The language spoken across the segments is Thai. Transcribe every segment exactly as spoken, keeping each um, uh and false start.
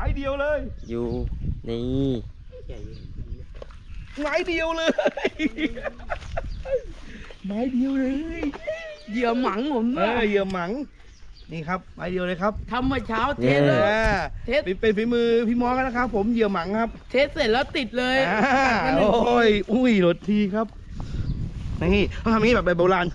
เดียวเลยอยู่นี่ไม้เดียวเลยไม้เดียวเลยเหยื่อหมังผมเออเหยื่อหมังนี่ครับไม้เดียวเลยครับทำเมื่อเช้าเทสเลยเทสเป็นฝีมือพี่มอสกันนะครับผมเหยื่อหมังครับเทสเสร็จแล้วติดเลยโอ้ยอุ้ยรถทีครับนี่เขาทำนี้แบบแบบโบราณ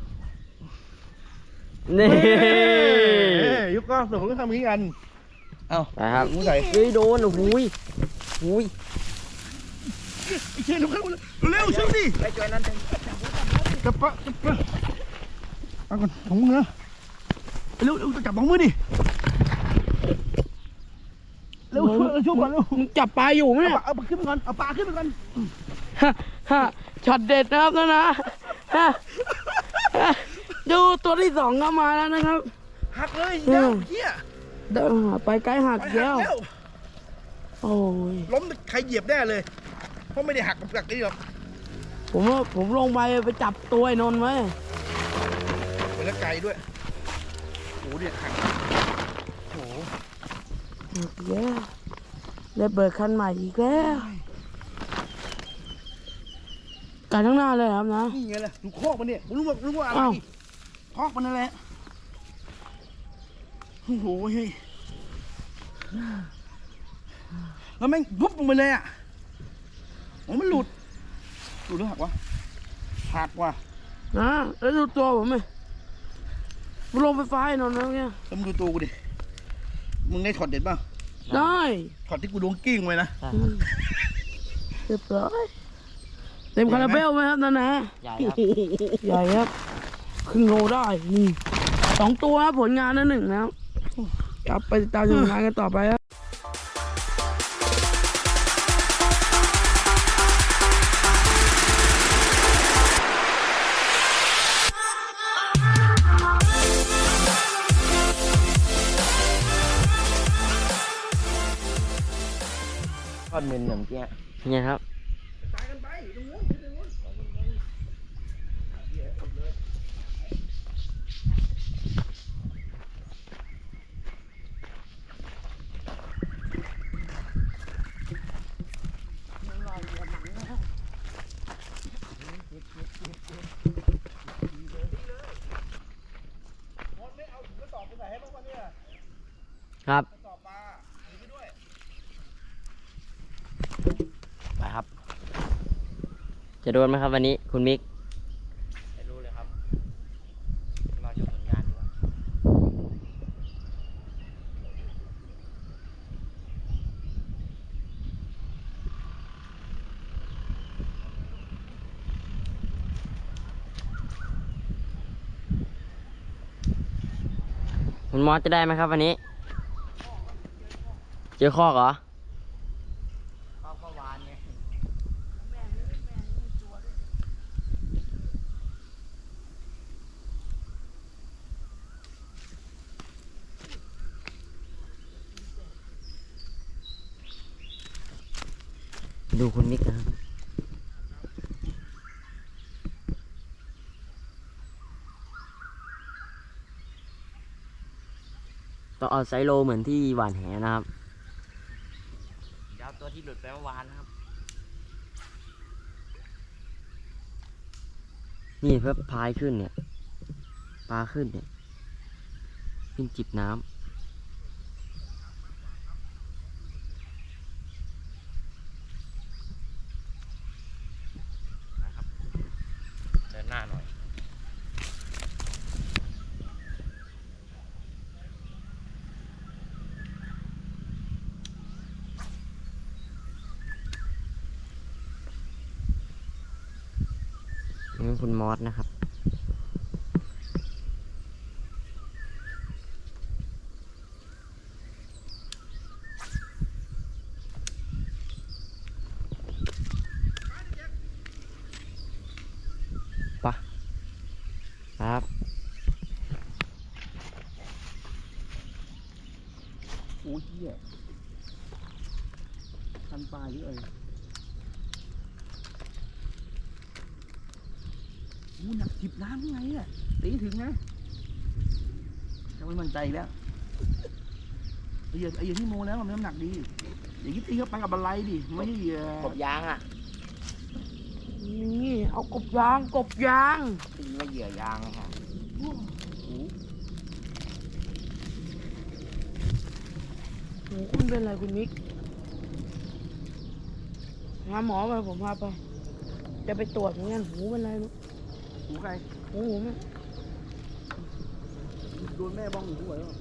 นี่ยุคก็สมก็ทำนี้กันเอาไปครับใส่เฮ้ยโดนโอ้โหหุยเชื่อเร็วเร็วเชื่อดิไปจอยนั่นจับปะจับปะเอาก่อนถุงมือเร็วเร็วจับสองมือดิเร็วช่วยก่อนเร็วมึงจับปลาอยู่ไหมเนี่ยเอาปลาขึ้นไปก่อนเอาปลาขึ้นไปก่อนฮ่าฮ่าช็อตเด็ดนะครับนะนะฮ่าดูตัวที่สองก็มาแล้วนะครับหักเลยเจ้าเหี้ยเดินไปไกลหักแล้วโอ้ยล้มใครเหยียบแน่เลยเพราะไม่ได้หักกับหลักนี่หรอกผมว่าผมลงไปไปจับตัวไอ้นนท์ไว้ไปแล้วไกลด้วยโหเนี่ยหักโหหักแล้วได้เบิกคันใหม่อีกแล้วการทั้งหน้าเลยครับนะนี่ไงล่ะดูคอกมันเนี่ยรู้ว่ารู้ว่าอะไรคอกมันนั่นแหละโอ้โหเฮ้ยแล้วแม่งปุ๊บลงไปเลยอ่ะโอ้มันหลุดหลุดหรือหักวะหักว่ะนะแล้วดูตัวผมไหมมันลงไฟฟ้าไอ้นนท์แล้วเนี่ยแล้วมึงดูตัวกูดิมึงได้ช็อตเด็ดป่ะได้ช็อตที่กูโดนกิ้งไว้นะเรียบร้อยเต็มคาราเบลไหมครับนั่นนะใหญ่ครับใหญ่ครับครึ่งโลได้นี่สองตัวผลงานนั่นหนึ่งนะครับกลับไปติดตามผลงานกันต่อไปครับทอดเมนอย่างเงี้ยเนี่ยครับครับไปครับจะโดนไหมครับวันนี้คุณมิกไม่รู้เลยครับมาชมผลงานดีกว่าคุณมอสจะได้ไหมครับวันนี้เจอคอกเหรอคอกเมื่อวานไงดูคุณมิกนะครับต้องเอาไซโลเหมือนที่หวานแหนะครับเดี๋ยวตัวที่หลุดไปเมื่อวานนะครับนี่เพื่อพายขึ้นเนี่ยปลาขึ้นเนี่ยขึ้นจิบน้ำนะครับเดินหน้าหน่อยนี่คุณมอสนะครับปะครับโอ้ยเหี้ยคันปลาเยอะเลยโอ้หนักจิบน้ำยังไงอ่ะตีถึงนะจะไม่มั่นใจแล้วเหยื่อไอ้เหยื่อที่โมแล้วมันน้ำหนักดีอย่างนี้ตีเข้าไปกับอะไรดิไม่ใช่เหยื่อกบยางอ่ะนี่เอากบยางกบยางตีว่าเหยื่อยางค่ะโอ้โหคุณเป็นอะไรคุณมิกหาหมอไปผมพาไป จะไปตรวจเหมือนกันหูเป็นไรลูกหูใครหูผมอะโดนแม่บ้องหูหัวแล้ว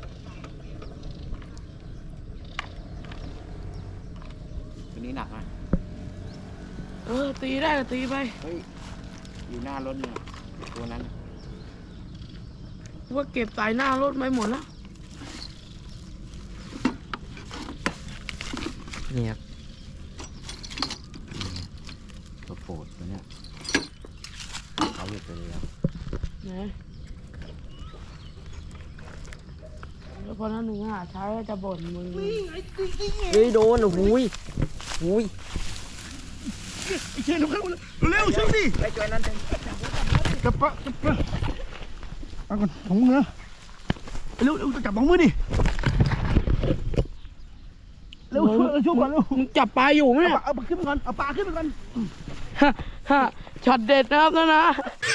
ตัวนี้หนักนะเออตีได้ก็ตีไปเฮ้ยอยู่หน้ารถเนี่ยตัวนั้นว่าเก็บสายหน้ารถไปหมดแล้วนี่ครับตัวโปรดตัวเนี้ยเขาหยุดไปเลยครับนะแล้วพอนั้นหนึ่งหาใช้ก็จะบ่นมึงเฮ้ยโดนโอ้โหยหุยไอ้เชนเร็วเร็วช่วยดิไปช่วยนั้นเถอะจับปะจับปะเอาก่อนของมึงนะเร็วเร็วจับของมือดิเร็วช่วยช่วยก่อนเร็วมึงจับปลาอยู่ไหมเอาเนี่ยปลาเอาปลาขึ้นไปก่อนเอาปลาขึ้นไปก่อนฮะฮะช็อตเด็ดนะครับนะนะ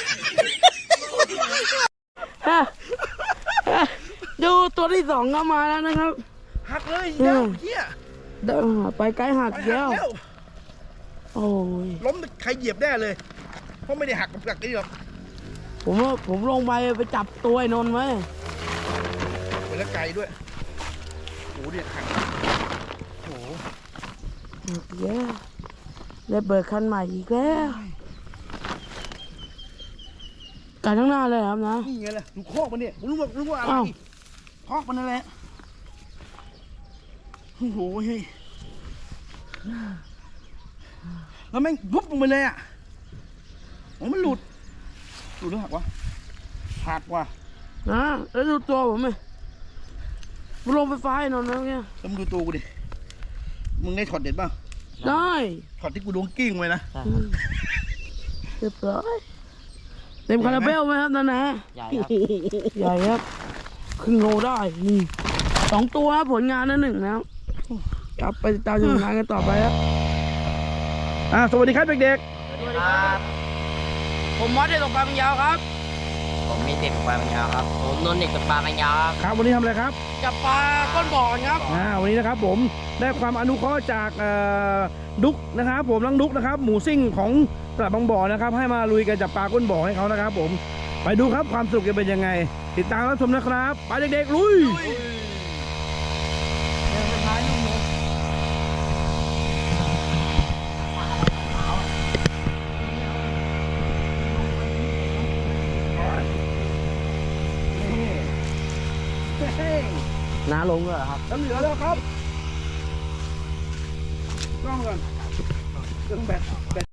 ฮะฮะดูตัวที่สองก็มาแล้วนะครับหักเลยเดี๋ยวเฮียเดินหาไปไกลหักไปหัแก้วกแล้วโอ้ยล้มใครเหยียบแน่เลยเพราะไม่ได้หักกับกักนี่หรอกผมว่าผมลงไปไปจับตัวไอ้นนท์ไว้ไปแล้วไกลด้วยโอ้โหเนี่ยหักโอ้โหหักแย่ได้เบิกคันใหม่อีกแล้วกันทั้างหน้าเลยครับนะนี่ไงล่ะดูคอกมันเนี่ยผมรู้ว่ารู้ว่าอะไรอ้าวคอกมันนั่นแหละโอ้โหเฮ้ยแล้วแม่งปุ๊บลงไปเลยอ่ะโอ้มันหลุดหลุดหรือหักวะหักว่ะนะแล้วดูตัวผมไหมผมลงไฟฟ้าไอ้นนท์แล้วเนี่ยแล้วมึงดูตัวกูดิมึงได้ช็อตเด็ดป่ะได้ช็อตที่กูโดนกิ้งไปนะอืมเรียบร้อยเต็มคาราเบลไหมครับนั่นนะใหญ่ครับใหญ่ครับครึ่งโลได้นี่สองตัวครับผลงานนั่นหนึ่งแล้วกลับไปติดตามชมงานกันต่อไปครับอ่าสวัสดีครับเด็กสวัสดีครับผมมอสได้ตกปลาเป็นยาวครับผมมีเด็กปลาปัญญาครับผมนนท์เด็กปลาปัญญาครับๆครับวันนี้ทำอะไรครับจับปลาก้นบ่อกันครับอ่าวันนี้นะครับผมได้ความอนุเคราะห์จากเอ่อดุกนะครับผมน้องดุกนะครับหมูซิ่งของตลาดบางบ่อนะครับให้มาลุยกันจับปลาก้นบ่อให้เขานะครับผมไปดูครับความสนุกจะเป็นยังไง ติดตามรับชมนะครับไปเด็กๆลุยเฮ้ยน้าลงด้วยเหรอครับน้ำเหลือแล้วครับกล้องก่อนเครื่องแบตแบต